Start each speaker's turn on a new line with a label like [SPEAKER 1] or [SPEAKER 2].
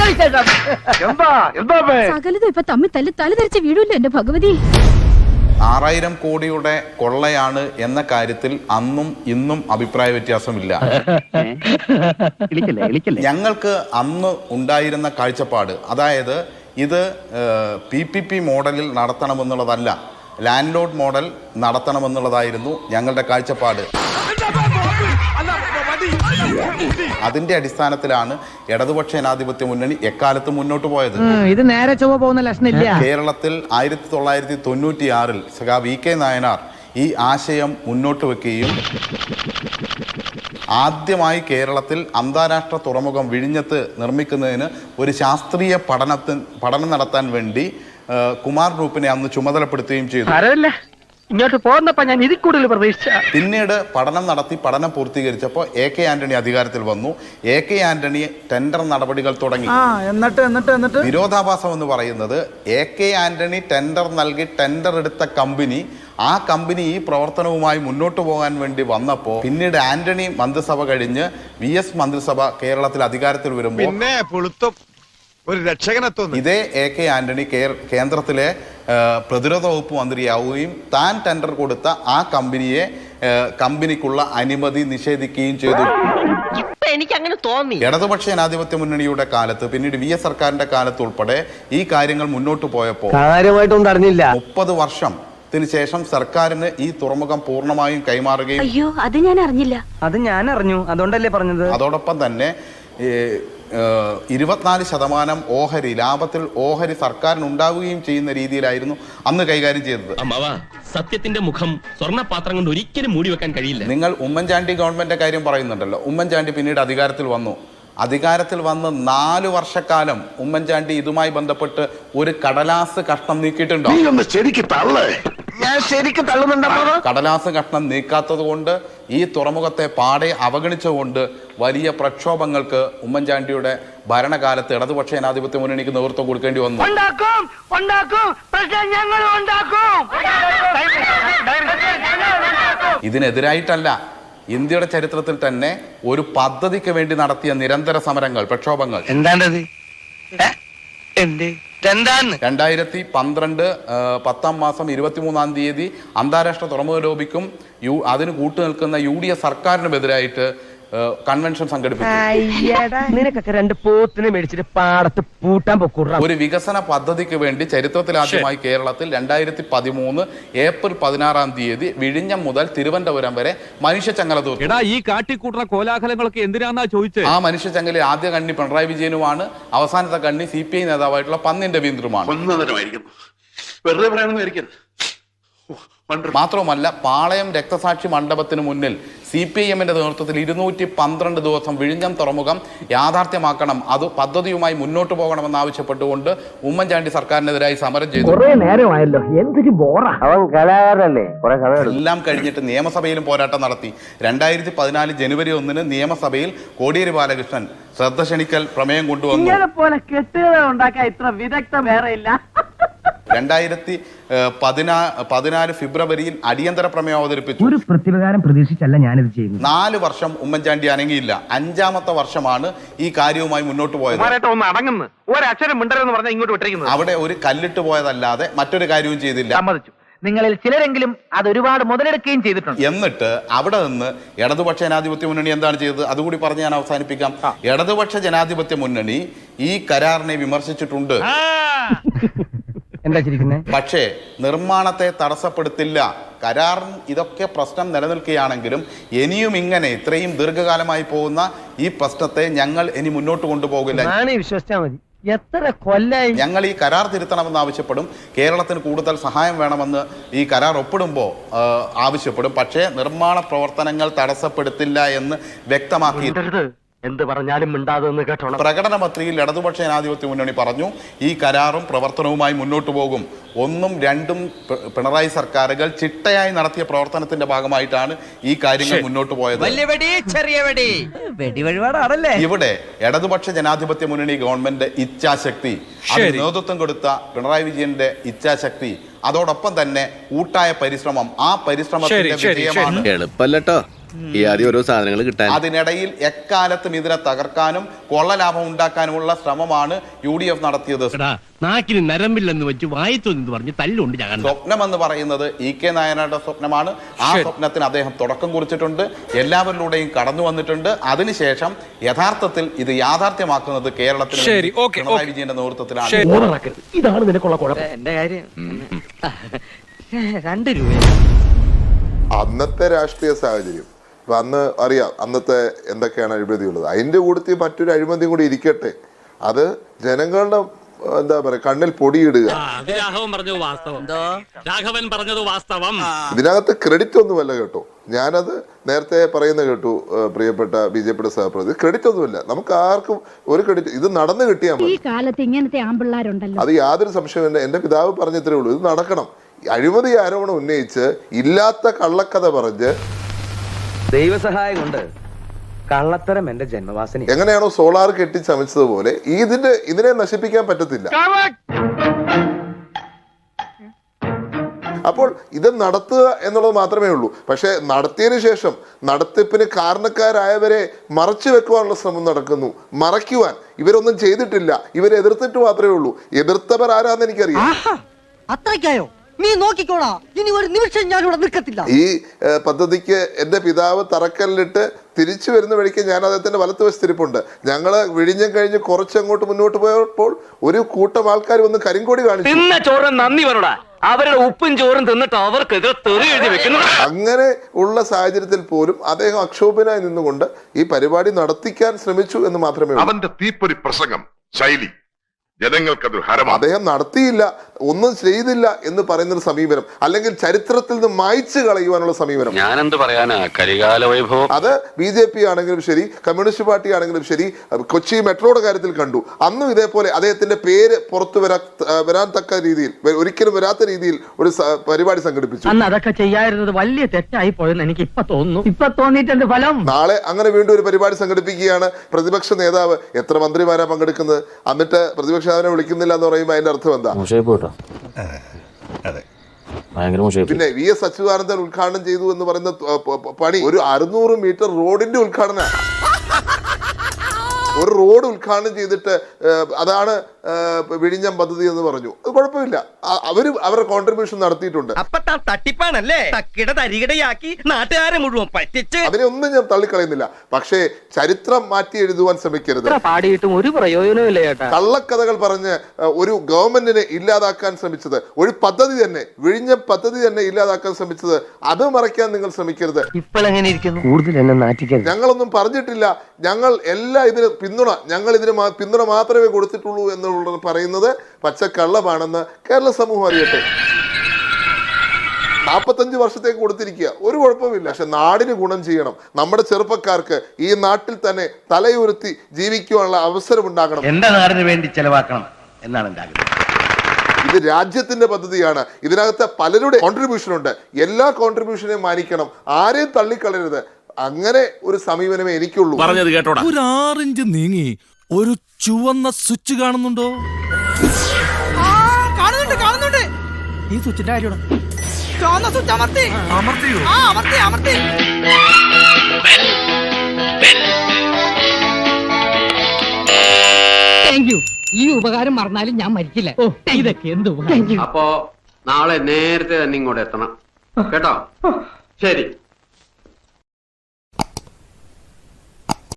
[SPEAKER 1] സകലതും ഇപ്പൊ തമ്മിൽ തല ധരിച്ച വീടില്ല എന്റെ ഭഗവതി.
[SPEAKER 2] 6000 കോടിയുടെ കൊള്ളയാണ് എന്ന കാര്യത്തിൽ അന്നും ഇന്നും അഭിപ്രായ വ്യത്യാസമില്ല. ഞങ്ങൾക്ക് അന്ന് ഉണ്ടായിരുന്ന കാഴ്ചപ്പാട്, അതായത് ഇത് PPP മോഡലിൽ നടത്തണമെന്നുള്ളതല്ല, ലാൻഡ് ലോഡ് മോഡൽ നടത്തണമെന്നുള്ളതായിരുന്നു ഞങ്ങളുടെ കാഴ്ചപ്പാട്. അതിന്റെ അടിസ്ഥാനത്തിലാണ് ഇടതുപക്ഷ ജനാധിപത്യ മുന്നണി എക്കാലത്ത് മുന്നോട്ട് പോയത്.
[SPEAKER 3] ഇത് നേരെ ചൊവ്വ പോകുന്ന ലക്ഷണില്ല.
[SPEAKER 2] കേരളത്തിൽ 1996-ൽ സഖാ VK നായനാർ ഈ ആശയം മുന്നോട്ട് വെക്കുകയും ആദ്യമായി കേരളത്തിൽ അന്താരാഷ്ട്ര തുറമുഖം വിഴിഞ്ഞത്ത് നിർമ്മിക്കുന്നതിന് ഒരു ശാസ്ത്രീയ പഠനം നടത്താൻ വേണ്ടി കുമാർ ഗ്രൂപ്പിനെ അന്ന് ചുമതലപ്പെടുത്തുകയും ചെയ്തു.
[SPEAKER 3] ഇങ്ങോട്ട് പോന്നപ്പോ ഞാൻ ഇതിൽ കൂടുതൽ പ്രതീക്ഷിച്ച.
[SPEAKER 2] പിന്നീട് പഠനം പൂർത്തീകരിച്ചപ്പോൾ AK ആന്റണി അധികാരത്തിൽ വന്നു. AK ആന്റണി ടെൻഡർ നടപടികൾ തുടങ്ങി.
[SPEAKER 3] എന്നിട്ട്
[SPEAKER 2] വിരോധാഭാസം എന്ന് പറയുന്നത് AK ആന്റണി ടെൻഡർ നൽകി ടെൻഡർ എടുത്ത കമ്പനി, ആ കമ്പനി ഈ പ്രവർത്തനവുമായി മുന്നോട്ട് പോകാൻ വേണ്ടി വന്നപ്പോൾ പിന്നീട് ആന്റണി മന്ത്രിസഭ കഴിഞ്ഞ് VS മന്ത്രിസഭ കേരളത്തിൽ അധികാരത്തിൽ വരുമ്പോൾ ഇതേ AK ആന്റണി കേന്ദ്രത്തിലെ പ്രതിരോധ വകുപ്പ് മന്ത്രിയാവുകയും താൻ ടെൻഡർ കൊടുത്ത ആ കമ്പനിക്കുള്ള അനുമതി നിഷേധിക്കുകയും ചെയ്തു.
[SPEAKER 3] എനിക്ക് അങ്ങനെ തോന്നി.
[SPEAKER 2] ഇടതുപക്ഷ ജനാധിപത്യ മുന്നണിയുടെ കാലത്ത്, പിന്നീട് VS സർക്കാരിന്റെ കാലത്ത് ഉൾപ്പെടെ ഈ കാര്യങ്ങൾ മുന്നോട്ട് പോയപ്പോൾ
[SPEAKER 3] കാര്യമായിട്ടൊന്നും അറിഞ്ഞില്ല.
[SPEAKER 2] 30 വർഷത്തിന് ശേഷം സർക്കാരിന് ഈ തുറമുഖം പൂർണ്ണമായും കൈമാറുകയും.
[SPEAKER 1] അയ്യോ, അത് ഞാൻ അറിഞ്ഞില്ല.
[SPEAKER 3] അത് ഞാൻ അറിഞ്ഞു, അതുകൊണ്ടല്ലേ പറഞ്ഞത്.
[SPEAKER 2] അതോടൊപ്പം തന്നെ 24% ഓഹരി ലാഭത്തിൽ ഓഹരി സർക്കാരിന് ഉണ്ടാവുകയും ചെയ്യുന്ന രീതിയിലായിരുന്നു അന്ന് കൈകാര്യം ചെയ്തത്.
[SPEAKER 4] സത്യത്തിന്റെ മുഖം സ്വർണ്ണപാത്രം കൊണ്ട് ഒരിക്കലും മൂടി വെക്കാൻ കഴിയില്ല.
[SPEAKER 2] നിങ്ങൾ ഉമ്മൻചാണ്ടി ഗവൺമെന്റിന്റെ കാര്യം പറയുന്നുണ്ടല്ലോ. ഉമ്മൻചാണ്ടി പിന്നീട് അധികാരത്തിൽ വന്നു. അധികാരത്തിൽ വന്ന് 4 വർഷക്കാലം ഉമ്മൻചാണ്ടി ഇതുമായി ബന്ധപ്പെട്ട് ഒരു കടലാസ് കഷ്ണം നീക്കിയിട്ടുണ്ടോ? കടലാസ് കഷ്ണം നീക്കാത്തത് കൊണ്ട്, ഈ തുറമുഖത്തെ പാടെ അവഗണിച്ചുകൊണ്ട് വലിയ പ്രക്ഷോഭങ്ങൾക്ക് ഉമ്മൻചാണ്ടിയുടെ ഭരണകാലത്ത് ഇടതുപക്ഷ ജനാധിപത്യ മുന്നണിക്ക് നേതൃത്വം കൊടുക്കേണ്ടി വന്നു. ഇതിനെതിരായിട്ടല്ല, ഇന്ത്യയുടെ ചരിത്രത്തിൽ തന്നെ ഒരു പദ്ധതിക്ക് വേണ്ടി നടത്തിയ നിരന്തര സമരങ്ങൾ, പ്രക്ഷോഭങ്ങൾ. 2012 10 മാസം 23-ാം തീയതി അന്താരാഷ്ട്ര തുറമുഖ ലോബിക്കും അതിന് കൂട്ടുനിൽക്കുന്ന UDF സർക്കാരിനുമെതിരായിട്ട് കൺവെൻഷൻ സംഘടിപ്പിച്ചു.
[SPEAKER 3] നിനക്കൊക്കെ 2 പോത്തിനെ മേടിച്ചിട്ട് പാടത്ത് പൂട്ടാൻ പൊക്കൂട.
[SPEAKER 2] ഒരു വികസന പദ്ധതിക്ക് വേണ്ടി ചരിത്രത്തിൽ ആദ്യമായി കേരളത്തിൽ 2013 ഏപ്രിൽ 16-ാം തീയതി വിഴിഞ്ഞം മുതൽ തിരുവനന്തപുരം വരെ മനുഷ്യച്ചങ്ങല തീർത്തു.
[SPEAKER 5] ഈ കാട്ടിക്കൂട്ടുന്ന കോലാഹലങ്ങളൊക്കെ എന്തിനാന്നാ ചോദിച്ചത്?
[SPEAKER 2] ആ മനുഷ്യച്ചങ്ങലിൽ ആദ്യ കണ്ണി പിണറായി വിജയനുമാണ്, അവസാനത്തെ കണ്ണി CPI നേതാവായിട്ടുള്ള പന്നിൻ രവീന്ദ്രനുമാണ്. മാത്രവുമല്ല, പാളയം രക്തസാക്ഷി മണ്ഡപത്തിന് മുന്നിൽ CPIM-ന്റെ നേതൃത്വത്തിൽ 212 ദിവസം വിഴിഞ്ഞം തുറമുഖം യാഥാർത്ഥ്യമാക്കണം, അത് പദ്ധതിയുമായി മുന്നോട്ട് പോകണമെന്ന് ആവശ്യപ്പെട്ടുകൊണ്ട് ഉമ്മൻചാണ്ടി സർക്കാരിനെതിരായി സമരം ചെയ്തു. എല്ലാം കഴിഞ്ഞിട്ട് നിയമസഭയിലും പോരാട്ടം നടത്തി. 2014 ജനുവരി 1-ന് നിയമസഭയിൽ കോടിയേരി ബാലകൃഷ്ണൻ ശ്രദ്ധ ക്ഷണിക്കൽ പ്രമേയം കൊണ്ടുവന്നു. 2014 ഫെബ്രുവരിയിൽ അടിയന്തര പ്രമേയം അവതരിപ്പിച്ചു.
[SPEAKER 3] ഒരു പ്രതികാരം പ്രതീക്ഷിച്ചല്ല ഞാനിത് ചെയ്യുന്നത്.
[SPEAKER 2] 4 വർഷം ഉമ്മൻചാണ്ടി അനങ്ങിയില്ല. 5-ാമത്തെ വർഷമാണ് ഈ കാര്യവുമായി മുന്നോട്ട് പോയത്. അവിടെ ഒരു കല്ലിട്ട് പോയതല്ലാതെ മറ്റൊരു കാര്യവും ചെയ്തില്ല.
[SPEAKER 3] നിങ്ങളിൽ ചിലരെങ്കിലും അത് ഒരുപാട് മുതലെടുക്കുകയും ചെയ്തിട്ടുണ്ട്.
[SPEAKER 2] എന്നിട്ട് അവിടെ നിന്ന് ഇടതുപക്ഷ ജനാധിപത്യ മുന്നണി എന്താണ് ചെയ്തത്? അതുകൂടി പറഞ്ഞ് ഞാൻ അവസാനിപ്പിക്കാം. ഇടതുപക്ഷ ജനാധിപത്യ മുന്നണി ഈ കരാറിനെ വിമർശിച്ചിട്ടുണ്ട്. പക്ഷേ നിർമ്മാണത്തെ തടസ്സപ്പെടുത്തില്ല. കരാറിന് ഇതൊക്കെ പ്രശ്നം നിലനിൽക്കുകയാണെങ്കിലും ഇനിയും ഇങ്ങനെ ഇത്രയും ദീർഘകാലമായി പോകുന്ന ഈ പ്രശ്നത്തെ ഞങ്ങൾ ഇനി മുന്നോട്ട് കൊണ്ടുപോകില്ല.
[SPEAKER 3] വിശ്വസിച്ചാൽ മതി. എത്ര കൊല്ലായി
[SPEAKER 2] ഞങ്ങൾ ഈ കരാർ തിരുത്തണമെന്ന് ആവശ്യപ്പെടും. കേരളത്തിന് കൂടുതൽ സഹായം വേണമെന്ന് ഈ കരാർ ഒപ്പിടുമ്പോൾ ആവശ്യപ്പെടും. പക്ഷേ നിർമ്മാണ പ്രവർത്തനങ്ങൾ തടസ്സപ്പെടുത്തില്ല എന്ന് വ്യക്തമാക്കി.
[SPEAKER 3] എന്ത് പറഞ്ഞാലും മിണ്ടാതെന്ന് കേട്ടോണം.
[SPEAKER 2] പ്രകടന പത്രികയിൽ ഇടതുപക്ഷ ജനാധിപത്യ മുന്നണി പറഞ്ഞു ഈ കരാറും പ്രവർത്തനവുമായി മുന്നോട്ട് പോകും. 1ഉം 2ഉം പിണറായി സർക്കാരുകൾ ചിട്ടയായി നടത്തിയ പ്രവർത്തനത്തിന്റെ ഭാഗമായിട്ടാണ് ഈ കാര്യങ്ങൾ മുന്നോട്ട് പോയത്. ഇവിടെ ഇടതുപക്ഷ ജനാധിപത്യ മുന്നണി ഗവൺമെന്റ് ഇച്ഛാശക്തി, അതിന് നേതൃത്വം കൊടുത്ത പിണറായി വിജയന്റെ ഇച്ഛാശക്തി, അതോടൊപ്പം തന്നെ കൂട്ടായ പരിശ്രമം, ആ പരിശ്രമത്തിന്റെ വിജയമാണ്.
[SPEAKER 6] ഈ ആദ്യം ഓരോ സാധനങ്ങൾ കിട്ടാൻ.
[SPEAKER 2] അതിനിടയിൽ എക്കാലത്തും ഇതിനെ തകർക്കാനും കൊള്ളലാഭം ഉണ്ടാക്കാനുമുള്ള ശ്രമമാണ് UDF നടത്തിയത്.
[SPEAKER 4] നാക്കിന് നരമ്പില്ലെന്ന് വെച്ച് വായിത്തൊന്ന് പറഞ്ഞ് തല്ലുണ്ട് ഞാൻ.
[SPEAKER 2] സ്വപ്നം എന്ന് പറയുന്നത് EK നായനാരുടെ സ്വപ്നമാണ്. ആ സ്വപ്നത്തിന് അദ്ദേഹം തുടക്കം കുറിച്ചിട്ടുണ്ട്, എല്ലാവരിലൂടെയും കടന്നു വന്നിട്ടുണ്ട്. അതിനുശേഷം യഥാർത്ഥത്തിൽ ഇത് യാഥാർത്ഥ്യമാക്കുന്നത് കേരളത്തിൽ പിണറായി വിജയന്റെ നേതൃത്വത്തിലാണ്.
[SPEAKER 3] ഇതാണ് നിനക്കുള്ള കുഴപ്പം. എന്റെ കാര്യം 2 രൂപ.
[SPEAKER 7] അന്നത്തെ രാഷ്ട്രീയ സാഹചര്യം അന്ന് അറിയാം, അന്നത്തെ എന്തൊക്കെയാണ് അഴിമതിയുള്ളത്. അതിന്റെ കൂട്ടത്തിൽ മറ്റൊരു അഴിമതി കൂടി ഇരിക്കട്ടെ, അത് ജനങ്ങളുടെ എന്താ പറയാ കണ്ണിൽ പൊടിയിടുക. ഇതിനകത്ത് ക്രെഡിറ്റ് ഒന്നുമല്ല കേട്ടോ, ഞാനത് നേരത്തെ പറയുന്ന കേട്ടു പ്രിയപ്പെട്ട BJPയുടെ സഹപ്രതി, ക്രെഡിറ്റ് ഒന്നുമില്ല, നമുക്ക് ആർക്കും ഒരു ക്രെഡിറ്റ്. ഇത് നടന്നു കിട്ടിയാൽ മതി.
[SPEAKER 1] ഈ കാലത്ത് ഇങ്ങനത്തെ ആമ്പിള്ളാരുണ്ടല്ലോ,
[SPEAKER 7] അത് യാതൊരു സംശയമില്ല. എന്റെ പിതാവ് പറഞ്ഞത്രേ ഉള്ളൂ, ഇത് നടക്കണം. അഴിമതി ആരോപണം ഉന്നയിച്ച് ഇല്ലാത്ത കള്ളക്കഥ പറഞ്ഞ്
[SPEAKER 3] ദൈവസഹായം കൊണ്ട് കള്ളത്തരം എന്റെ ജന്മവാസന.
[SPEAKER 7] എങ്ങനെയാണോ സോളാർ കെട്ടിച്ചമച്ചതുപോലെ ഇതിനെ നശിപ്പിക്കാൻ പറ്റത്തില്ല. അപ്പോൾ ഇത് നടത്തുക എന്നുള്ളത് മാത്രമേ ഉള്ളൂ. പക്ഷെ നടത്തിയതിനു ശേഷം നടത്തിപ്പിന് കാരണക്കാരായവരെ മറച്ചു വെക്കുവാനുള്ള ശ്രമം നടക്കുന്നു. മറയ്ക്കുവാൻ ഇവരൊന്നും ചെയ്തിട്ടില്ല, ഇവരെ എതിർത്തിട്ട് മാത്രമേ ഉള്ളൂ. എതിർത്തവർ ആരാന്ന് എനിക്കറിയാം.
[SPEAKER 8] അത്രയ്ക്കായോ? നീ നോക്കിക്കോളാ, ഇനി ഒരു നിമിഷം ഞാൻ ഇവിടെ നിൽക്കത്തില്ല.
[SPEAKER 7] ഈ പദ്ധതിക്ക് എന്റെ പിതാവ് തറക്കല്ലിട്ട് തിരിച്ചു വരുന്ന വഴിക്ക് ഞാൻ അദ്ദേഹത്തിന്റെ വലത്തുവശത്തിരിപ്പുണ്ട്. ഞങ്ങള് വിഴിഞ്ഞം കഴിഞ്ഞ് കുറച്ചങ്ങോട്ട് മുന്നോട്ട് പോയപ്പോൾ ഒരു കൂട്ടം ആൾക്കാർ വന്ന് കരിങ്കോടി കാണിച്ചു.
[SPEAKER 3] നന്ദി പറടാ, അവരുടെ ഉപ്പും ചോറും തിന്നിട്ട് അവർക്ക് എഴുതി വെക്കുന്നു.
[SPEAKER 7] അങ്ങനെ ഉള്ള സാഹചര്യത്തിൽ പോലും അദ്ദേഹം അക്ഷോഭനായി നിന്നുകൊണ്ട് ഈ പരിപാടി നടത്തിക്കാൻ ശ്രമിച്ചു എന്ന് മാത്രമേ ഉള്ളൂ.
[SPEAKER 9] അവന്റെ തീപ്പൊരി പ്രസംഗം ശൈലി ജനങ്ങൾക്കത് ഹരമാണ്.
[SPEAKER 7] അദ്ദേഹം നടത്തിയില്ല, ഒന്നും ചെയ്തില്ല എന്ന് പറയുന്നൊരു സമീപനം, അല്ലെങ്കിൽ ചരിത്രത്തിൽ നിന്ന് മായ്ച്ചു കളയുവാനുള്ള സമീപനം.
[SPEAKER 6] ഞാനെന്ത് പറയാനാ, കരികാല വൈഭവം.
[SPEAKER 7] അത് BJP ആണെങ്കിലും ശരി, കമ്മ്യൂണിസ്റ്റ് പാർട്ടി ആണെങ്കിലും ശരി, കൊച്ചി മെട്രോയുടെ കാര്യത്തിൽ കണ്ടു. അന്നും ഇതേപോലെ അദ്ദേഹത്തിന്റെ പേര് പുറത്തു വരാൻ തക്ക രീതിയിൽ, ഒരിക്കലും വരാത്ത രീതിയിൽ ഒരു പരിപാടി സംഘടിപ്പിച്ചു.
[SPEAKER 3] അന്ന് അതൊക്കെ ചെയ്യായിരുന്നത് വലിയ തെറ്റായി പോയെന്ന് എനിക്ക് ഇപ്പൊ തോന്നുന്നു. ഇപ്പൊ തോന്നിയിട്ടുണ്ട് ഫലം.
[SPEAKER 7] നാളെ അങ്ങനെ വീണ്ടും ഒരു പരിപാടി സംഘടിപ്പിക്കുകയാണ്. പ്രതിപക്ഷ നേതാവ്, എത്ര മന്ത്രിമാരാ പങ്കെടുക്കുന്നത്? എന്നിട്ട് പ്രതിപക്ഷ നേതാവിനെ വിളിക്കുന്നില്ല എന്ന് പറയുമ്പോൾ അതിന്റെ അർത്ഥം എന്താ? പിന്നെ VS അച്യുതാനന്ദൻ ഉദ്ഘാടനം ചെയ്തു എന്ന് പറയുന്ന പണി ഒരു 600 മീറ്റർ റോഡിന്റെ ഉദ്ഘാടന. ഒരു റോഡ് ഉദ്ഘാടനം ചെയ്തിട്ട് അതാണ് വിഴിഞ്ഞം പദ്ധതി എന്ന് പറഞ്ഞു. അത് കുഴപ്പമില്ല, അവരുടെ കോൺട്രിബ്യൂഷൻ നടത്തിയിട്ടുണ്ട്.
[SPEAKER 3] തട്ടിപ്പാണല്ലേ, തരികിടയാക്കി നാട്ടുകാരെ മുഴുവൻ പറ്റിച്ച്.
[SPEAKER 7] അതിനെ ഒന്നും ഞാൻ തള്ളിക്കളയുന്നില്ല. പക്ഷേ ചരിത്രം മാറ്റി എഴുതുവാൻ ശ്രമിക്കരുത്.
[SPEAKER 3] പാടിയിട്ടും ഒരു പ്രയോജനമില്ല ചേട്ടാ.
[SPEAKER 7] കള്ളക്കഥകൾ പറഞ്ഞ് ഒരു ഗവൺമെന്റിനെ ഇല്ലാതാക്കാൻ ശ്രമിച്ചത്, ഒരു പദ്ധതി തന്നെ, വിഴിഞ്ഞം പദ്ധതി തന്നെ ഇല്ലാതാക്കാൻ ശ്രമിച്ചത്, അത് മറയ്ക്കാൻ നിങ്ങൾ ശ്രമിക്കരുത്.
[SPEAKER 3] ഇപ്പോഴെങ്ങനെ ഇരിക്കുന്നു? കൂടുതൽ എന്നെ നാറ്റിക്കരുത്.
[SPEAKER 7] ഞങ്ങളൊന്നും പറഞ്ഞിട്ടില്ല, ഞങ്ങൾ എല്ലാം ഇതിന് പിന്തുണ, ഞങ്ങൾ ഇതിന് പിന്തുണ മാത്രമേ കൊടുത്തിട്ടുള്ളൂ എന്നുള്ളത് പറയുന്നത് പച്ചക്കള്ളമാണെന്ന് കേരള സമൂഹം അറിയട്ടെ. 45 വർഷത്തേക്ക് കൊടുത്തിരിക്കുക, ഒരു കുഴപ്പമില്ല. പക്ഷെ നാടിന് ഗുണം ചെയ്യണം. നമ്മുടെ ചെറുപ്പക്കാർക്ക് ഈ നാട്ടിൽ തന്നെ തലയുയർത്തി ജീവിക്കുവാനുള്ള അവസരം ഉണ്ടാകണം.
[SPEAKER 3] എന്റെ നാടിന് വേണ്ടി ചെലവാക്കണം എന്നാണ് എന്റെ ആഗ്രഹം.
[SPEAKER 7] ഇത് രാജ്യത്തിന്റെ പദ്ധതിയാണ്. ഇതിനകത്ത് പലരുടെ കോൺട്രിബ്യൂഷൻ ഉണ്ട്. എല്ലാ കോൺട്രിബ്യൂഷനെയും മാനിക്കണം, ആരെയും തള്ളിക്കളയരുത്. അങ്ങനെ ഒരു സമീപനമേ എനിക്കുള്ളൂ.
[SPEAKER 4] പറഞ്ഞത് കേട്ടോടാ.
[SPEAKER 10] ഒരു 6 ഇഞ്ച് നീങ്ങി ഒരു ചുവന്ന സ്വിച്ച് കാണുന്നുണ്ടോ?
[SPEAKER 8] കാണുന്നുണ്ട്. ഈ സ്വിച്ചിന്റെ കാര്യമാണ്. ചുവന്ന സ്വിച്ച് അമർത്തിയോ? അമർത്തി. Thank you. ഈ ഉപകാരം മറന്നാലും ഞാൻ മരിക്കില്ല. ഇതൊക്കെ എന്ത് ഉപകാരം.
[SPEAKER 6] അപ്പോ നാളെ നേരത്തെ തന്നെ ഇങ്ങോട്ട് എത്തണം കേട്ടോ. ശരി.